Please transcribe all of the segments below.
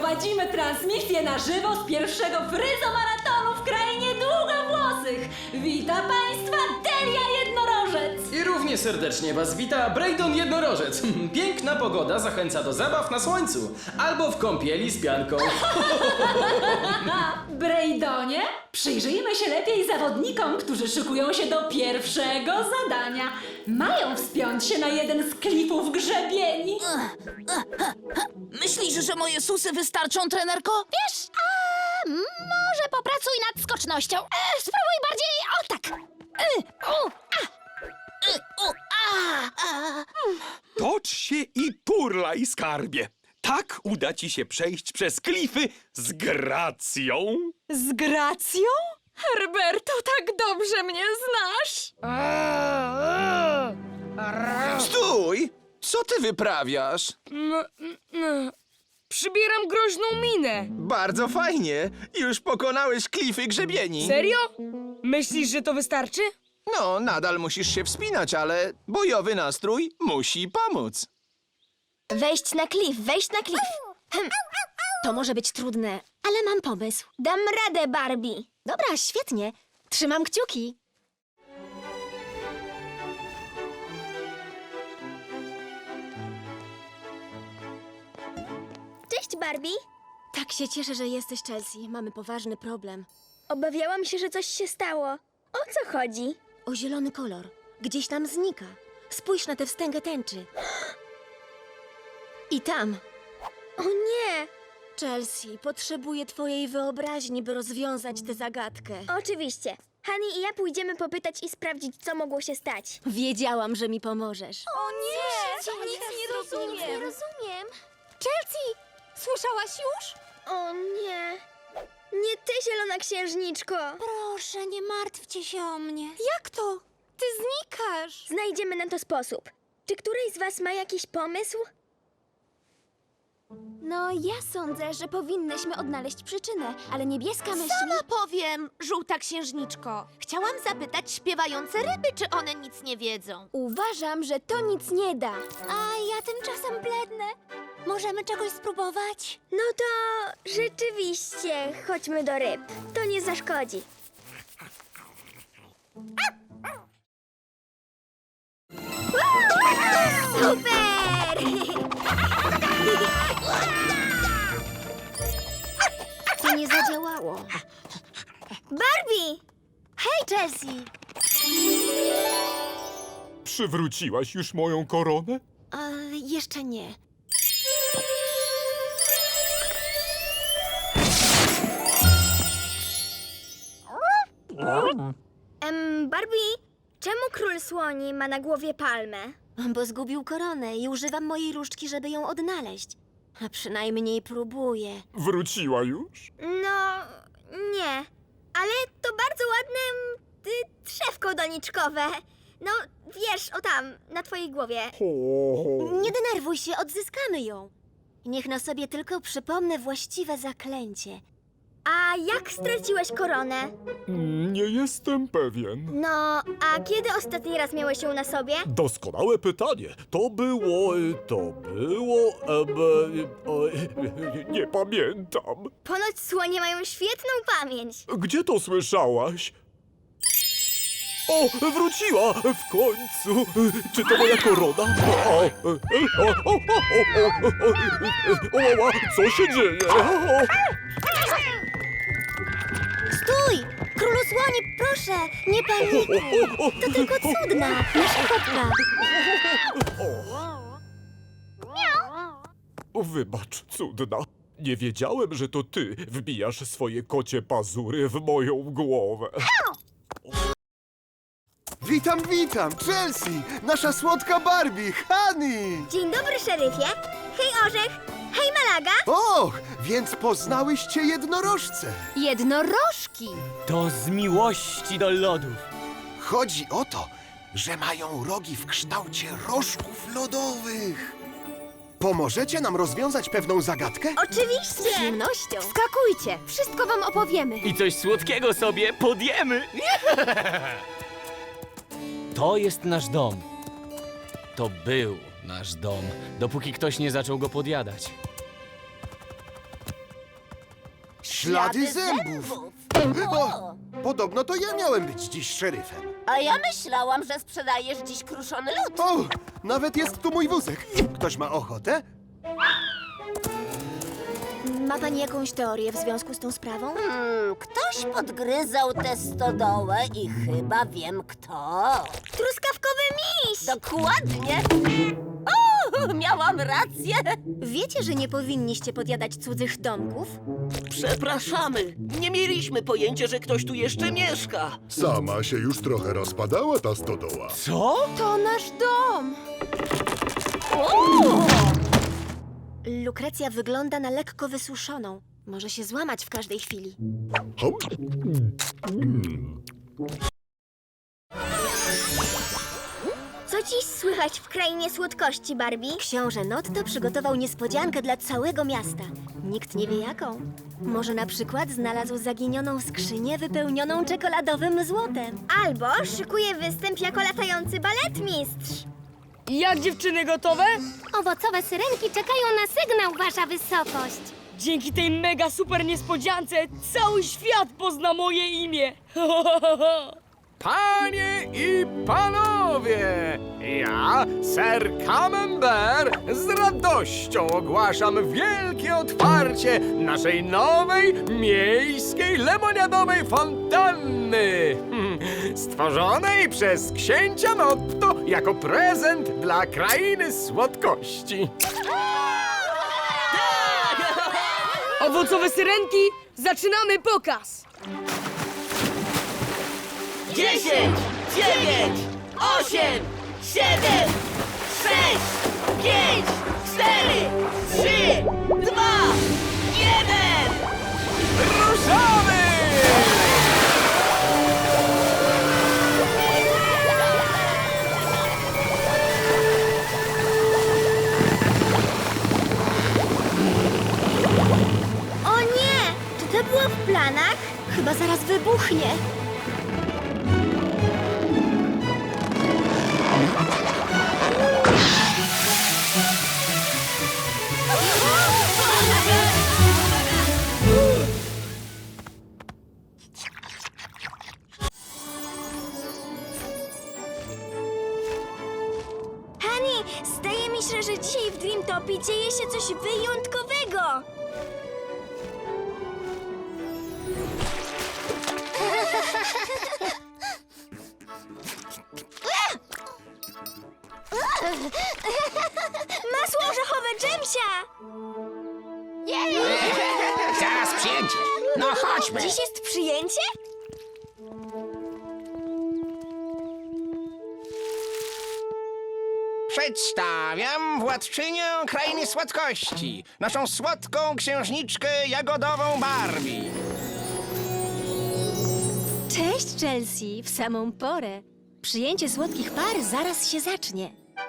Prowadzimy transmisję na żywo z pierwszego fryzomaratonu w krainie długowłosych. Wita Państwa Delia Jednorożec. I równie serdecznie Was wita Braydon Jednorożec. Piękna pogoda zachęca do zabaw na słońcu albo w kąpieli z pianką. Braydonie, przyjrzyjmy się lepiej zawodnikom, którzy szykują się do pierwszego zadania. Mają wspiąć się na jeden z klifów grzebieni. Myślisz, że moje susy wystarczą, trenerko? Wiesz, może popracuj nad skocznością. Spróbuj bardziej, o tak. Tocz się i turlaj, skarbie. Tak uda ci się przejść przez klify z gracją. Z gracją? Herberto, tak dobrze mnie znasz! Stój! Co ty wyprawiasz? Przybieram groźną minę. Bardzo fajnie. Już pokonałeś klify grzebieni. Serio? Myślisz, że to wystarczy? No, nadal musisz się wspinać, ale bojowy nastrój musi pomóc. Wejść na klif. To może być trudne, ale mam pomysł. Dam radę, Barbie. Dobra, świetnie. Trzymam kciuki. Cześć, Barbie. Tak się cieszę, że jesteś, Chelsea. Mamy poważny problem. Obawiałam się, że coś się stało. O co chodzi? O zielony kolor. Gdzieś tam znika. Spójrz na tę wstęgę tęczy. I tam. O nie! Chelsea, potrzebuję twojej wyobraźni, by rozwiązać tę zagadkę. Oczywiście. Hani i ja pójdziemy popytać i sprawdzić, co mogło się stać. Wiedziałam, że mi pomożesz. O nie! Nic nie rozumiem. Chelsea, słyszałaś już? O nie! Nie ty, zielona księżniczko! Proszę, nie martwcie się o mnie. Jak to? Ty znikasz. Znajdziemy na to sposób. Czy któryś z was ma jakiś pomysł? No, ja sądzę, że powinnyśmy odnaleźć przyczynę, ale niebieska myśli... Sama powiem, żółta księżniczko. Chciałam zapytać śpiewające ryby, czy one nic nie wiedzą. Uważam, że to nic nie da. A ja tymczasem blednę. Możemy czegoś spróbować? No to rzeczywiście, chodźmy do ryb. To nie zaszkodzi. Super! To nie zadziałało. Barbie! Hej, Chelsea! Przywróciłaś już moją koronę? Jeszcze nie. Barbie, czemu król słoni ma na głowie palmę? Bo zgubił koronę i używam mojej różdżki, żeby ją odnaleźć. A przynajmniej próbuję. Wróciła już? No, nie. Ale to bardzo ładne drzewko doniczkowe. No, wiesz, o tam, na twojej głowie. Nie denerwuj się, odzyskamy ją. Niech na sobie tylko przypomnę właściwe zaklęcie. A jak straciłeś koronę? Nie jestem pewien. No, a kiedy ostatni raz miałeś ją na sobie? Doskonałe pytanie. To było... nie pamiętam. Ponoć słonie mają świetną pamięć. Gdzie to słyszałaś? O, wróciła! W końcu! Czy to moja korona? Co się dzieje? Stój! Królu słoni, proszę! Nie panikuj! To tylko cudna, nasza kotka. Wybacz, cudna. Nie wiedziałem, że to ty wbijasz swoje kocie pazury w moją głowę. Witam, Chelsea, nasza słodka Barbie, Hani! Dzień dobry, szeryfie. Hej, Orzech. Hej, Malaga. Och, więc poznałyście jednorożce. Jednorożki! To z miłości do lodów. Chodzi o to, że mają rogi w kształcie rożków lodowych. Pomożecie nam rozwiązać pewną zagadkę? Z Oczywiście. przyjemnością. Skakujcie, wszystko wam opowiemy. I coś słodkiego sobie podjemy. To jest nasz dom. To był nasz dom, dopóki ktoś nie zaczął go podjadać. Ślady zębów. O, podobno to ja miałem być dziś szeryfem. A ja myślałam, że sprzedajesz dziś kruszony lód. O, nawet jest tu mój wózek. Ktoś ma ochotę? Ma pani jakąś teorię w związku z tą sprawą? Ktoś podgryzał tę stodołę i chyba wiem kto. Truskawkowy miś! Dokładnie. O, miałam rację. Wiecie, że nie powinniście podjadać cudzych domków? Przepraszamy. Nie mieliśmy pojęcia, że ktoś tu jeszcze mieszka. Sama się już trochę rozpadała ta stodoła. Co? To nasz dom. Lukrecja wygląda na lekko wysuszoną. Może się złamać w każdej chwili. Hop. Co dziś słychać w krainie słodkości, Barbie? Książę Notto przygotował niespodziankę dla całego miasta. Nikt nie wie jaką. Może na przykład znalazł zaginioną skrzynię wypełnioną czekoladowym złotem. Albo szykuje występ jako latający baletmistrz. Jak dziewczyny gotowe? Owocowe syrenki czekają na sygnał, wasza wysokość. Dzięki tej mega super niespodziance cały świat pozna moje imię. Panie i panowie, ja, Sir Camembert, z radością ogłaszam wielkie otwarcie naszej nowej, miejskiej, lemoniadowej fontanny, stworzonej przez księcia Notto jako prezent dla krainy słodkości. Owocowe syrenki, zaczynamy pokaz. 10, 9, 8, 7, 6, 5, 4, 3, 2, 1. Ruszamy! O nie! Czy to było w planach? Chyba zaraz wybuchnie. Hani, zdaje mi się, że dzisiaj w Dreamtopie dzieje się coś wyjątkowego. Masło orzechowe Dżemsia! Zaraz przyjęcie. No chodźmy. Dziś jest przyjęcie? Przedstawiam władczynię krainy słodkości, naszą słodką księżniczkę jagodową Barbie. Cześć, Chelsea, w samą porę. Przyjęcie słodkich par zaraz się zacznie.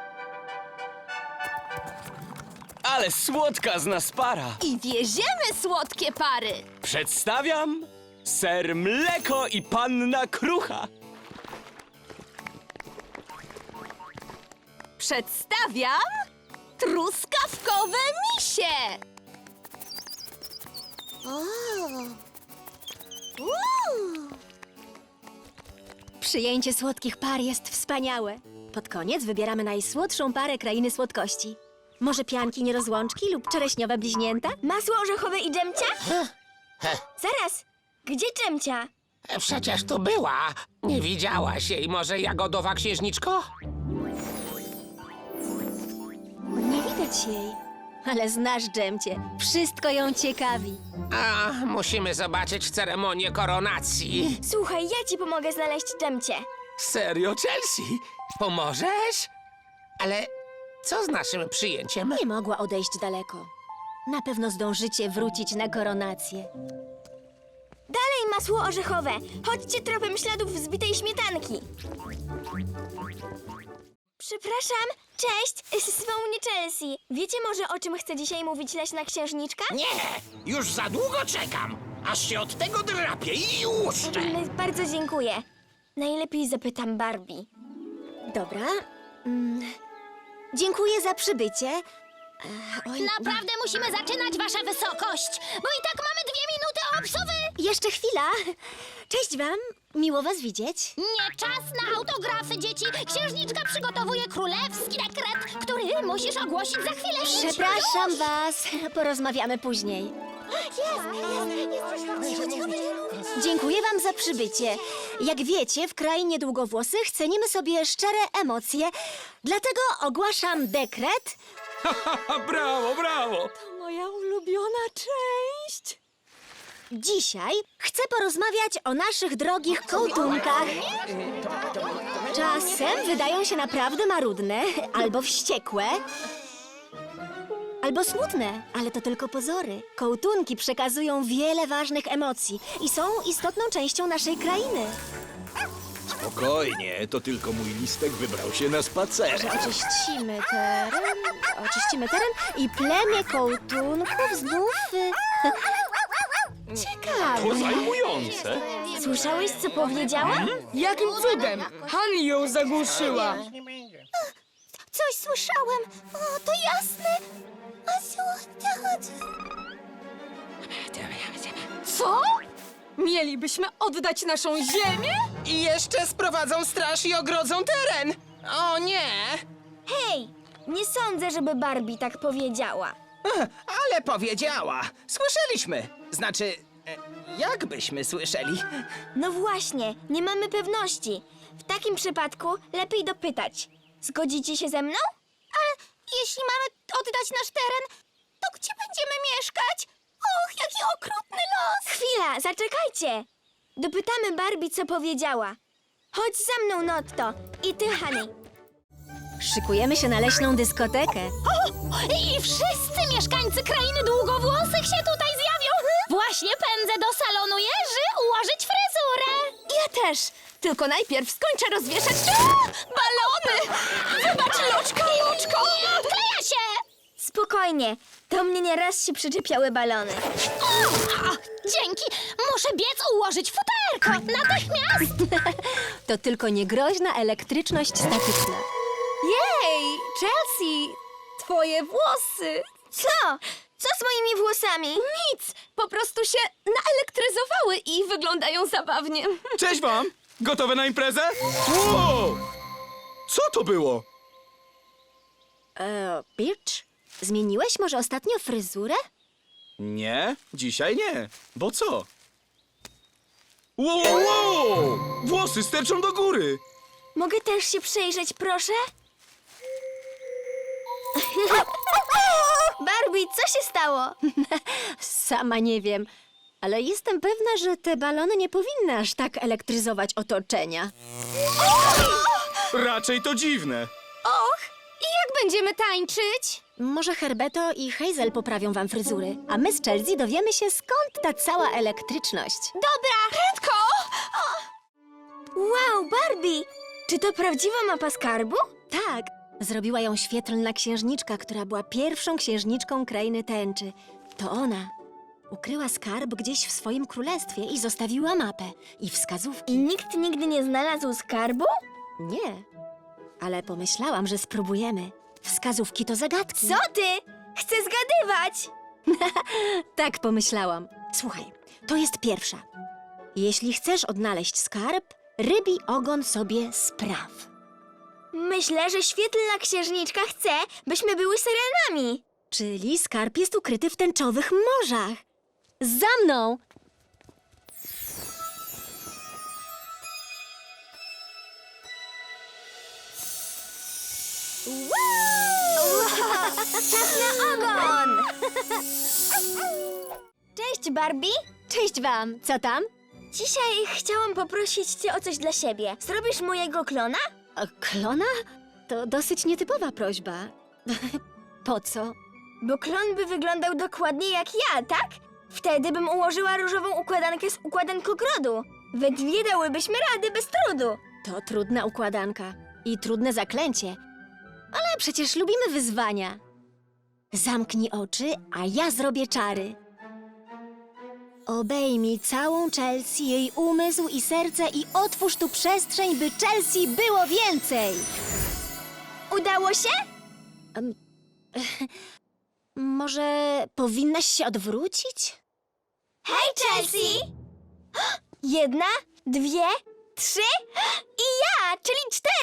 Ale słodka z nas para. I wieziemy słodkie pary. Przedstawiam ser Mleko i Panna Krucha. Przedstawiam truskawkowe misie. Przyjęcie słodkich par jest wspaniałe. Pod koniec wybieramy najsłodszą parę krainy słodkości. Może pianki nierozłączki lub czereśniowe bliźnięta? Masło orzechowe i Dżemcia? Zaraz, gdzie Dżemcia? Przecież tu była. Nie widziałaś jej może, jagodowa księżniczko? Nie widać jej. Ale znasz Dżemcie. Wszystko ją ciekawi. A, musimy zobaczyć ceremonię koronacji. Słuchaj, ja ci pomogę znaleźć Dżemcie. Serio, Chelsea? Pomożesz? Ale co z naszym przyjęciem? Nie mogła odejść daleko. Na pewno zdążycie wrócić na koronację. Dalej masło orzechowe. Chodźcie tropem śladów wzbitej śmietanki. Przepraszam, cześć, zwą mnie Chelsea. Wiecie może, o czym chce dzisiaj mówić leśna księżniczka? Nie, już za długo czekam, aż się od tego drapię i łuszczę. Bardzo dziękuję. Najlepiej zapytam Barbie. Dobra. Dziękuję za przybycie. Oj, Naprawdę musimy zaczynać, wasza wysokość, bo i tak mamy 2 minuty popsowy! Jeszcze chwila. Cześć wam, miło was widzieć. Nie czas na autografy, dzieci! Księżniczka przygotowuje królewski dekret, który musisz ogłosić za chwilę. Przepraszam was, porozmawiamy później. Dziękuję wam za przybycie. Jak wiecie, w krainie długowłosych cenimy sobie szczere emocje, dlatego ogłaszam dekret. Brawo, brawo! Moja ulubiona część. Dzisiaj chcę porozmawiać o naszych drogich kołtunkach. Czasem wydają się naprawdę marudne, albo wściekłe, albo smutne, ale to tylko pozory. Kołtunki przekazują wiele ważnych emocji i są istotną częścią naszej krainy. Spokojnie, to tylko mój listek wybrał się na spacer. Że oczyścimy teren i plemię kołtunków znów... Ciekawe. To zajmujące. Słyszałeś, co powiedziała? Jakim cudem? Han ją zagłuszyła. Coś słyszałem. O, to jasne. Co? Mielibyśmy oddać naszą ziemię? I jeszcze sprowadzą straż i ogrodzą teren. O nie! Hej, nie sądzę, żeby Barbie tak powiedziała. Ale powiedziała. Słyszeliśmy. Znaczy, jakbyśmy słyszeli? No właśnie, nie mamy pewności. W takim przypadku lepiej dopytać. Zgodzicie się ze mną? Ale jeśli mamy oddać nasz teren, to gdzie będziemy mieszkać? Och, jaki okrutny los! Chwila, zaczekajcie. Dopytamy Barbie, co powiedziała. Chodź za mną, Notto. I ty, Honey. Szykujemy się na leśną dyskotekę. I wszyscy mieszkańcy krainy długowłosych się tutaj zjawią. Właśnie pędzę do salonu Jerzy ułożyć fryzurę. Ja też. Tylko najpierw skończę rozwieszać balony. Wybacz, Luczko. Odkleja się! Spokojnie, do mnie nieraz się przyczepiały balony. Dzięki. Muszę biec ułożyć futerko. Natychmiast. To tylko niegroźna elektryczność statyczna. Jej, Chelsea, twoje włosy. Co? Co z moimi włosami? Nic, po prostu się naelektryzowały i wyglądają zabawnie. Cześć wam! Gotowe na imprezę? Wow! Co to było? Birch, zmieniłeś może ostatnio fryzurę? Nie, dzisiaj nie. Bo co? Wow! Włosy sterczą do góry! Mogę też się przejrzeć, proszę? Barbie, co się stało? Sama nie wiem, ale jestem pewna, że te balony nie powinny aż tak elektryzować otoczenia. Raczej to dziwne. Och, i jak będziemy tańczyć? Może Herbeto i Hazel poprawią wam fryzury, a my z Chelsea dowiemy się, skąd ta cała elektryczność. Dobra, prędko! Wow, Barbie! Czy to prawdziwa mapa skarbu? Tak, zrobiła ją świetlna księżniczka, która była pierwszą księżniczką krainy tęczy. To ona ukryła skarb gdzieś w swoim królestwie i zostawiła mapę i wskazówki. I nikt nigdy nie znalazł skarbu? Nie, ale pomyślałam, że spróbujemy. Wskazówki to zagadki. Co ty? Chcę zgadywać! Tak pomyślałam. Słuchaj, to jest pierwsza. Jeśli chcesz odnaleźć skarb, rybi ogon sobie spraw. Myślę, że świetlna księżniczka chce, byśmy były syrenami. Czyli skarb jest ukryty w tęczowych morzach. Za mną! Czas na ogon! Cześć, Barbie! Cześć wam, co tam? Dzisiaj chciałam poprosić cię o coś dla siebie. Zrobisz mojego klona? Klona? To dosyć nietypowa prośba. Po co? Bo klon by wyglądał dokładnie jak ja, tak? Wtedy bym ułożyła różową układankę z układankogrodu. We dwie dałybyśmy rady bez trudu. To trudna układanka i trudne zaklęcie. Ale przecież lubimy wyzwania. Zamknij oczy, a ja zrobię czary. Obejmij całą Chelsea, jej umysł i serce i otwórz tu przestrzeń, by Chelsea było więcej. Udało się? Może powinnaś się odwrócić? Hej, Chelsea! Jedna, dwie, trzy i ja, czyli 4.